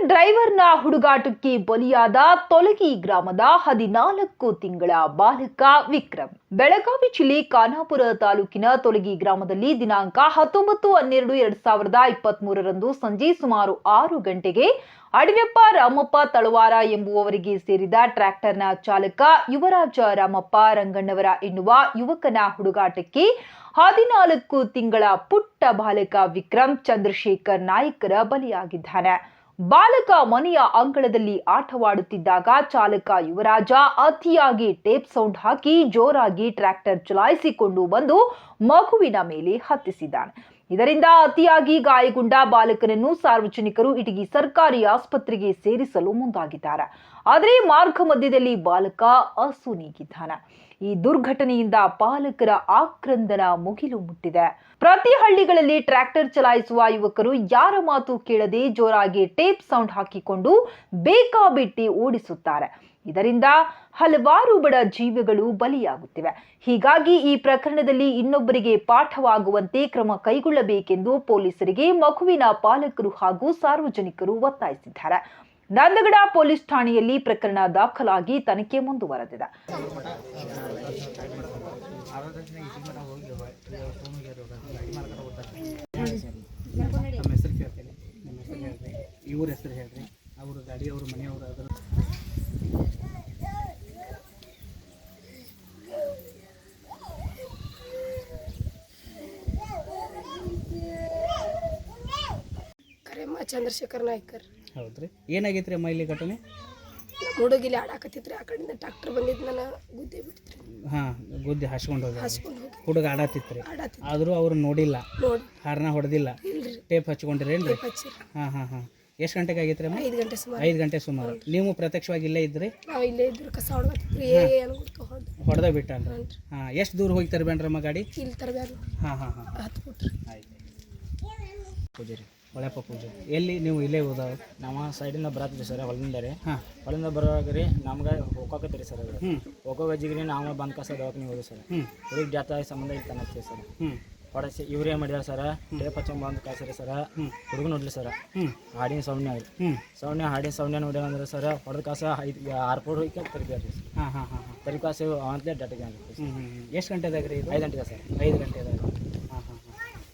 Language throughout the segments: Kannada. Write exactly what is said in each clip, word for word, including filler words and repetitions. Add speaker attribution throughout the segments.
Speaker 1: ಡ್ರೈವರ್ನ ಹುಡುಗಾಟಕ್ಕೆ ಬಲಿಯಾದ ತೊಲಗಿ ಗ್ರಾಮದ ಹದಿನಾಲ್ಕು ತಿಂಗಳ ಬಾಲಕ ವಿಕ್ರಮ್. ಬೆಳಗಾವಿ ಜಿಲ್ಲೆ ಖಾನಾಪುರ ತಾಲೂಕಿನ ತೊಲಗಿ ಗ್ರಾಮದಲ್ಲಿ ದಿನಾಂಕ ಹತ್ತೊಂಬತ್ತು ಹನ್ನೆರಡು ಎರಡ್ ಸಾವಿರದ ಇಪ್ಪತ್ತ್ ಮೂರರಂದು ಸಂಜೆ ಸುಮಾರು ಆರು ಗಂಟೆಗೆ ಅಡವ್ಯಪ್ಪ ರಾಮಪ್ಪ ತಳವಾರ ಎಂಬುವವರಿಗೆ ಸೇರಿದ ಟ್ರ್ಯಾಕ್ಟರ್ನ ಚಾಲಕ ಯುವರಾಜ ರಾಮಪ್ಪ ರಂಗಣ್ಣವರ ಎನ್ನುವ ಯುವಕನ ಹುಡುಗಾಟಕ್ಕೆ ಹದಿನಾಲ್ಕು ತಿಂಗಳ ಪುಟ್ಟ ಬಾಲಕ ವಿಕ್ರಮ್ ಚಂದ್ರಶೇಖರ್ ನಾಯ್ಕರ ಬಲಿಯಾಗಿದ್ದಾನೆ. ಬಾಲಕ ಮನೆಯ ಅಂಗಳದಲ್ಲಿ ಆಟವಾಡುತ್ತಿದ್ದಾಗ ಚಾಲಕ ಯುವರಾಜ ಅತಿಯಾಗಿ ಟೇಪ್ ಸೌಂಡ್ ಹಾಕಿ ಜೋರಾಗಿ ಟ್ರ್ಯಾಕ್ಟರ್ ಚಲಾಯಿಸಿಕೊಂಡು ಬಂದು ಮಗುವಿನ ಮೇಲೆ ಹತ್ತಿಸಿದ್ದಾನೆ. ಇದರಿಂದ ಅತಿಯಾಗಿ ಗಾಯಗೊಂಡ ಬಾಲಕನನ್ನು ಸಾರ್ವಜನಿಕರು ಇಟಗಿ ಸರ್ಕಾರಿ ಆಸ್ಪತ್ರೆಗೆ ಸೇರಿಸಲು ಮುಂದಾಗಿದ್ದಾರೆ. ಆದರೆ ಮಾರ್ಗ ಮಧ್ಯದಲ್ಲಿ ಬಾಲಕ ಅಸುನೀಗಿದ್ದಾನೆ. ಈ ದುರ್ಘಟನೆಯಿಂದ ಪಾಲಕರ ಆಕ್ರಂದನ ಮುಗಿಲು ಮುಟ್ಟಿದೆ. ಪ್ರತಿ ಹಳ್ಳಿಗಳಲ್ಲಿ ಟ್ರ್ಯಾಕ್ಟರ್ ಚಲಾಯಿಸುವ ಯುವಕರು ಯಾರ ಮಾತು ಕೇಳದೆ ಜೋರಾಗಿ ಟೇಪ್ ಸೌಂಡ್ ಹಾಕಿಕೊಂಡು ಬೇಕಾಬಿಟ್ಟಿ ಓಡಿಸುತ್ತಾರೆ. ಇದರಿಂದ ಹಲವಾರು ಬಡ ಜೀವಿಗಳು ಬಲಿಯಾಗುತ್ತಿವೆ. ಹೀಗಾಗಿ ಈ ಪ್ರಕರಣದಲ್ಲಿ ಇನ್ನೊಬ್ಬರಿಗೆ ಪಾಠವಾಗುವಂತೆ ಕ್ರಮ ಕೈಗೊಳ್ಳಬೇಕೆಂದು ಪೊಲೀಸರಿಗೆ ಮಗುವಿನ ಪಾಲಕರು ಹಾಗೂ ಸಾರ್ವಜನಿಕರು ಒತ್ತಾಯಿಸಿದ್ದಾರೆ. ನಂದಗಡ ಪೊಲೀಸ್ ಠಾಣೆಯಲ್ಲಿ ಪ್ರಕರಣ ದಾಖಲಾಗಿ ತನಿಖೆ ಮುಂದುವರೆದಿದೆ.
Speaker 2: ಇವ್ರ ಹೆಸರು ಹೇಳ್ರಿ, ಅವ್ರ ಗಾಡಿ ಅವ್ರ ಮನೆಯವರು ಅದರ
Speaker 3: ಕರೆಮ್ಮ ಚಂದ್ರಶೇಖರ್ ನಾಯ್ಕರ್.
Speaker 2: ಹೌದ್ರಿ, ಏನಾಗೈತ್ರಿ ಅಮ್ಮ ಇಲ್ಲಿ ಘಟನೆ?
Speaker 3: ಹುಡುಗಿಲಿ ಆಡಾಕತ್ತಿದ್ರಿ, ಆ ಕಡೆಯಿಂದ ಟ್ರಾಕ್ಟರ್ ಬಂದಿದ್ದು ನನ್ನ ಗುದ್ದೆ ಬಿಡ್ತ್ರಿ.
Speaker 2: ಹಾಂ, ಗುದ್ದೆ ಹಸ್ಕೊಂಡು ಹೋದ.
Speaker 3: ಹಸ್ಕೊಂಡು ಹೋಗಿ
Speaker 2: ಹುಡುಗ ಆಡತ್ತಿತ್ರಿ,
Speaker 3: ಆಡತ್ತಿತ್ತು.
Speaker 2: ಆದರೂ ಅವ್ರು ನೋಡಿಲ್ಲ,
Speaker 3: ನೋಡಿ
Speaker 2: ಹಾರ್ನ ಹೊಡೆದಿಲ್ಲ,
Speaker 3: ಇಲ್ರಿ
Speaker 2: ಟೇಪ್ ಹಚ್ಕೊಂಡಿರೇನ್ರಿ?
Speaker 3: ಹಚ್ಚಿರಿ.
Speaker 2: ಹಾಂ ಹಾಂ ಹಾಂ ಎಷ್ಟು ಗಂಟೆಗೆ ಆಗೈತ್ರಿ ಅಮ್ಮ?
Speaker 3: ಐದು ಗಂಟೆ ಸುಮಾರು.
Speaker 2: ಐದು ಗಂಟೆ ಸುಮಾರು. ನೀವು ಪ್ರತ್ಯಕ್ಷವಾಗಿ ಇಲ್ಲೇ ಇದ್ರಿ?
Speaker 3: ನಾವು ಇಲ್ಲೇ ಇದ್ರು, ಕಸ ಹೊಡ್ಕತ್ತಿದ್ರಿ. ಏ ಏನು ಗುಡ್ಕ ಹೊಡೆದು
Speaker 2: ಹೊಡೆದ ಬಿಟ್ಟನ್ರಿ. ಹಾಂ, ಎಷ್ಟು ದೂರ ಹೋಗಿ ತರಬೇನ್ರಮ್ಮ ಗಾಡಿ?
Speaker 3: ಇಲ್ಲಿ ತರಬ್ಯಾರ.
Speaker 2: ಹಾಂ ಹಾಂ ಹಾಂ
Speaker 3: ಹತ್ತು ಬಿಟ್ರಿ.
Speaker 2: ಆಯ್ತು. ಪೂಜಾರಿ ಒಳ್ಳೆಪ್ಪ ಪೂಜೆ ಎಲ್ಲಿ ನೀವು ಇಲ್ಲೇ ಹೋದಾವ?
Speaker 4: ನಮ್ಮ ಸೈಡಿಂದ ಬರತ್ತಿದ್ರಿ ಸರ್, ಹೊಲದಿಂದ ರೀ.
Speaker 2: ಹಾಂ,
Speaker 4: ಹೊಲದಿಂದ ಬರುವಾಗ ರೀ ನಮ್ಗೆ ಹೋಗೋಕತ್ತೀರಿ ಸರ್. ಅದು
Speaker 2: ಹ್ಞೂ
Speaker 4: ಹೋಗೋಗಜ್ಜಿಗೆ ನಾವು ಬಂದ್ ಕಸ ದವಾಖಾನೆ ಹೋದ್ರಿ ಸರ್.
Speaker 2: ಹ್ಞೂ
Speaker 4: ಹುಡುಗಿ ಜಾತ ಸಂಬಂಧ ಇಲ್ಲಿ ತನತ್ತೀವಿ ಸರ್.
Speaker 2: ಹ್ಞೂ
Speaker 4: ಹೊಡಸಿ ಇವ್ರೇ ಮಾಡ್ಯಾರ ಸರ್, ಟೇಪ್ ಹಚ್ಚಂಗ್ ಬಂದು ಕಳ್ಸಿರಿ ಸರ್. ಹುಡುಗ ನೋಡ್ಲಿ ಸರ್,
Speaker 2: ಹ್ಞೂ
Speaker 4: ಹಾಡಿನ ಸೌಣ್ಯ ರೀ.
Speaker 2: ಹ್ಞೂ
Speaker 4: ಸೌಣ್ಯ ಹಾಡಿನ ಸೌಣ್ಯ ನೋಡ್ಯಾವ ಅಂದ್ರೆ ಸರ್, ಹೊಡೆದ ಕಾಸ ಐದು ಆರು ಫೋಟ್ ಹೋಗಿ ತರಿಬ್ಯಾರ ರೀ.
Speaker 2: ಹಾಂ ಹಾಂ ಹಾಂ ಹಾಂ
Speaker 4: ತರಿ ಕಾಸು ಅಂತಲೇ ಡಾಟಿಗೆ
Speaker 2: ಹ್ಞೂ ಹ್ಞೂ ಎಷ್ಟು ಗಂಟೆದಾಗ ರೀ ಇದು?
Speaker 4: ಐದು ಗಂಟೆಗೆ ಸರ್.
Speaker 2: ಐದು ಗಂಟೆದಾಗ. ಹಾಂ ಹಾಂ ಹಾಂ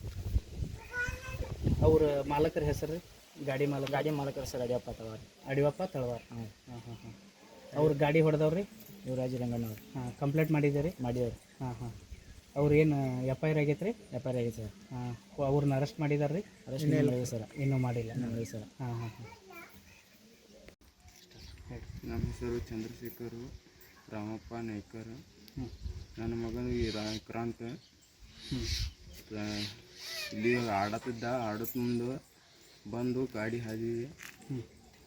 Speaker 2: ಅವ್ರ ಮಾಲಕರ ಹೆಸರು ರೀ? ಗಾಡಿ ಮಾಲಕ
Speaker 4: ಗಾಡಿ ಮಾಲಕರು ಸರ್ ಅಡಿಯಪ್ಪ ತಳವಾರ.
Speaker 2: ಅಡಿವಪ್ಪ ತಳವಾರ.
Speaker 4: ಹಾಂ
Speaker 2: ಹಾಂ ಹಾಂ ಹಾಂ ಅವ್ರ ಗಾಡಿ ಹೊಡೆದವ್ರಿ?
Speaker 4: ಯುವರಾಜ್ ರಂಗಣ್ಣವ್ರು.
Speaker 2: ಹಾಂ, ಕಂಪ್ಲೇಂಟ್ ಮಾಡಿದ್ದೀರಿ?
Speaker 4: ಮಾಡಿದವ್ರು.
Speaker 2: ಹಾಂ ಹಾಂ ಅವ್ರು ಏನು ಎಫ್ ಐ ಆರ್ ಆಗೈತೆ ರೀ?
Speaker 4: ಎಫ್ ಐ ಆರ್ ಆಗೈತೆ ಸರ್.
Speaker 2: ಹಾಂ, ಅವ್ರನ್ನ ಅರೆಸ್ಟ್ ಮಾಡಿದಾರೆ ರೀ?
Speaker 4: ಅರೆಸ್ಟ್ ಮಾಡಿದ್ವಿ ಸರ್.
Speaker 2: ಇನ್ನೂ ಮಾಡಿಲ್ಲ
Speaker 4: ಮಾಡಿ ಸರ್.
Speaker 2: ಹಾಂ ಹಾಂ ಹಾಂ
Speaker 5: ನಮ್ಮ ಹೆಸರು ಚಂದ್ರಶೇಖರ್ ರಾಮಪ್ಪ ನಾಯ್ಕರ್.
Speaker 2: ಹ್ಞೂ
Speaker 5: ನನ್ನ ಮಗನು ಈ ವಿಕ್ರಾಂತ್.
Speaker 2: ಹ್ಞೂ
Speaker 5: ಇಲ್ಲಿ ಆಡತ್ತಿದ್ದ, ಆಡತ್ ಮುಂದೆ ಬಂದು ಗಾಡಿ ಹಾದಿವಿ.
Speaker 2: ಹ್ಞೂ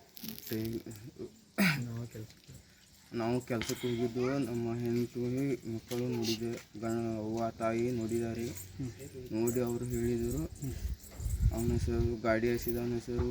Speaker 5: ನಾವು ಕೆಲಸಕ್ಕೆ ಹೋಗಿದ್ದು, ನಮ್ಮ ಹೆಂಡತಿ ಮಕ್ಕಳು ನೋಡಿದೆ, ಗಣ ಅವ್ವ ತಾಯಿ ನೋಡಿದ್ದಾರೆ. ನೋಡಿ ಅವರು ಹೇಳಿದರು. ಅವನ ಹೆಸರು ಗಾಡಿ ಹಸಿದ ಅವನ ಹೆಸರು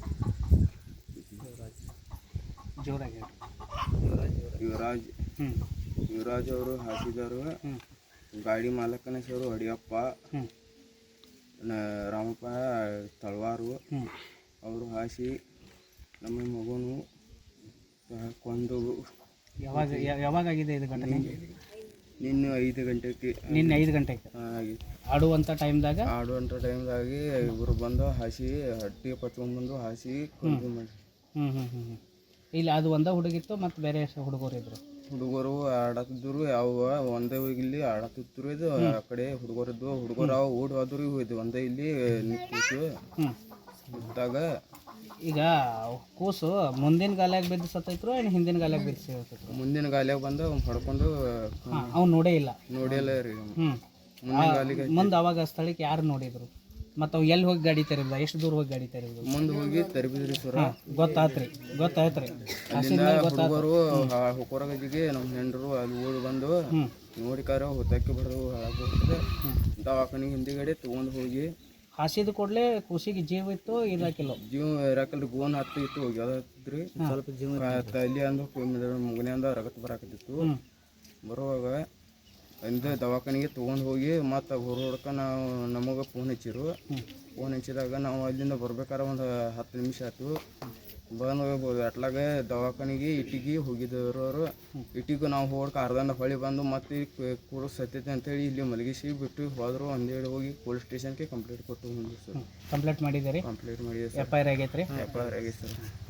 Speaker 2: ಜೋರಾಗಿ
Speaker 5: ಯುವರಾಜ್.
Speaker 2: ಹ್ಞೂ
Speaker 5: ಯುವರಾಜ್ ಅವರು ಹಾಸಿದರು.
Speaker 2: ಹ್ಞೂ
Speaker 5: ಗಾಡಿ ಮಾಲಕನ ಹೆಸರು ಅಡಿಯಪ್ಪ
Speaker 2: ಹ್ಞೂ
Speaker 5: ರಾಮಪ್ಪ ತಳವಾರು.
Speaker 2: ಹ್ಞೂ
Speaker 5: ಅವರು ಹಾಸಿ ನಮ್ಮ ಮಗನು ಕೊಂದು.
Speaker 2: ಯಾವಾಗ ಯಾವಾಗ ಆಗಿದೆ ಇದು ಘಟನೆ?
Speaker 5: ನಿನ್ನೆ ಐದು ಗಂಟೆಗೆ
Speaker 2: ನಿನ್ನೆ ಐದು ಗಂಟೆಗೆ
Speaker 5: ಆಗಿ
Speaker 2: ಆಡುವಂಥ ಟೈಮ್ದಾಗ
Speaker 5: ಆಡುವಂಥ ಟೈಮ್ದಾಗಿ ಇವರು ಬಂದು ಹಾಸಿ ಹಟ್ಟಿ ಪಚ್ಕೊಂಡ್ಬಂದು ಹಾಸಿ ಕೊಂದು ಮಾಡಿ.
Speaker 2: ಹ್ಞೂ ಹ್ಞೂ ಹ್ಞೂ ಹ್ಞೂ ಇಲ್ಲಿ ಅದು ಒಂದೇ ಹುಡುಗಿತ್ತು ಮತ್ತು ಬೇರೆ ಹುಡುಗರು ಇದ್ರು?
Speaker 5: ಹುಡುಗರು ಆಡತ್ತಿದ್ರು, ಯಾವ ಒಂದೇ ಇಲ್ಲಿ ಆಡತ್ತಿದ್ರು. ಇದು ಆ ಕಡೆ ಹುಡುಗರಿದ್ದು, ಹುಡುಗರು ಅವು ಓಡಿ ಹೋದ್ರು. ಇದು ಒಂದೇ ಇಲ್ಲಿ ನಿಂತು
Speaker 2: ಹ್ಞೂ
Speaker 5: ಇದ್ದಾಗ
Speaker 2: ಈಗ ಕೂಸು ಮುಂದಿನ ಗಾಲ್ಯಾಗ ಬಿದ್ದು ಸತ್ತೈತ್ರು ಏನು ಹಿಂದಿನ ಗಾಲ್ಯಾಗ ಬಿದ್ದು ಸತ್ತೈತ್ರು?
Speaker 5: ಮುಂದಿನ ಗಾಲಿಯಾಗ ಬಂದು ಹೊಡ್ಕೊಂಡು
Speaker 2: ಹಾಂ, ಅವ್ನು ನೋಡೇ ಇಲ್ಲ?
Speaker 5: ನೋಡಿಲ್ಲ ರೀ.
Speaker 2: ಹ್ಞೂ
Speaker 5: ಮುಂದಿನ ಗಾಲಿಗೆ
Speaker 2: ಮುಂದೆ ಅವಾಗ ಸ್ಥಳಕ್ಕೆ ಯಾರು ನೋಡಿದ್ರು? ಮತ್ತು ಅವು ಎಲ್ಲಿ ಹೋಗಿ ಗಾಡಿ ತೆರಿದ? ಎಷ್ಟು ದೂರ ಹೋಗಿ ಗಾಡಿ ತೆರಿದ್ರು?
Speaker 5: ಮುಂದೆ ಹೋಗಿ ತರಬಿದ್ರಿ ಸರ.
Speaker 2: ಗೊತ್ತಾತ್ರಿ ಗೊತ್ತಾಯ್ತ್ರಿ
Speaker 5: ಅಲ್ಲಿಂದ ಹುಡುಗರು ಹೊರಗಜಿಗೆ ನಮ್ಮ ಹೆಂಡರು ಅಲ್ಲಿ ಓಡಿ ಬಂದು ನೋಡಿಕಾರ ಹೊತ್ತಕ್ಕೆ ಬರೋದು ಹಾಳಾಗ್ಬಿಡ್ತದೆ. ದವಾಖಾನಿಗೆ ಹಿಂದಿಗಡೆ ತೊಗೊಂಡು ಹೋಗಿ
Speaker 2: ಹಾಸಿದ ಕೂಡಲೇ ಖುಷಿಗೆ ಜೀವ ಇತ್ತು ಇರಾಕಿಲ್ಲ?
Speaker 5: ಜೀವ ಇರಾಕಲ್ರಿ, ಗೋನ್ ಹತ್ತು ಇತ್ತು ಹೋಗ್ಯದ್ರಿ. ಸ್ವಲ್ಪ ಜೀವ ತಲೆ ಅಂದು ಮುಗನೆ ಅಂದ ರಗತ್ ಬರಾಕತ್ತಿತ್ತು. ಬರುವಾಗ ಇಂದ ದವಾಖಾನೆಗೆ ತೊಗೊಂಡು ಹೋಗಿ ಮತ್ತು ಹೊರಡ್ಕ ನಾವು ನಮಗೆ ಫೋನ್ ಹಚ್ಚಿರು. ಫೋನ್ ಹಚ್ಚಿದಾಗ ನಾವು ಅಲ್ಲಿಂದ ಬರ್ಬೇಕಾದ್ರೆ ಒಂದು ಹತ್ತು ನಿಮಿಷ ಆಯ್ತು. ಬಂದು ಹೋಗ್ಬೋದು ಅಟ್ಲಾಗ ದವಾಖಾನಿಗೆ ಇಟ್ಟಿಗೆ ಹೋಗಿದ್ದವರು ಅವರು ಇಟ್ಟಿಗೂ ನಾವು ಹೋಗಿ ಅರ್ಧಂದ ಹೊಳಿ ಬಂದು ಮತ್ತೆ ಕೂಡ ಸತ್ತೈತೆ ಅಂತೇಳಿ ಇಲ್ಲಿ ಮಲಗಿಸಿ ಬಿಟ್ಟು ಹೋದ್ರು ಒಂದೇಳಿ ಹೋಗಿ ಪೊಲೀಸ್ ಸ್ಟೇಷನ್ಗೆ ಕಂಪ್ಲೇಂಟ್ ಕೊಟ್ಟು ಬಂದ್ವಿ ಸರ್.
Speaker 2: ಕಂಪ್ಲೇಂಟ್ ಮಾಡಿದ್ದೀರಿ?
Speaker 5: ಕಂಪ್ಲೇಂಟ್ ಮಾಡಿದೆ ಸರ್.
Speaker 2: ಎಫ್ ಐ ಆರ್ ಆಗೈತೆ ರೀ?
Speaker 5: ಎಫ್ ಐ ಆರ್ ಆಗೈತೆ ಸರ್.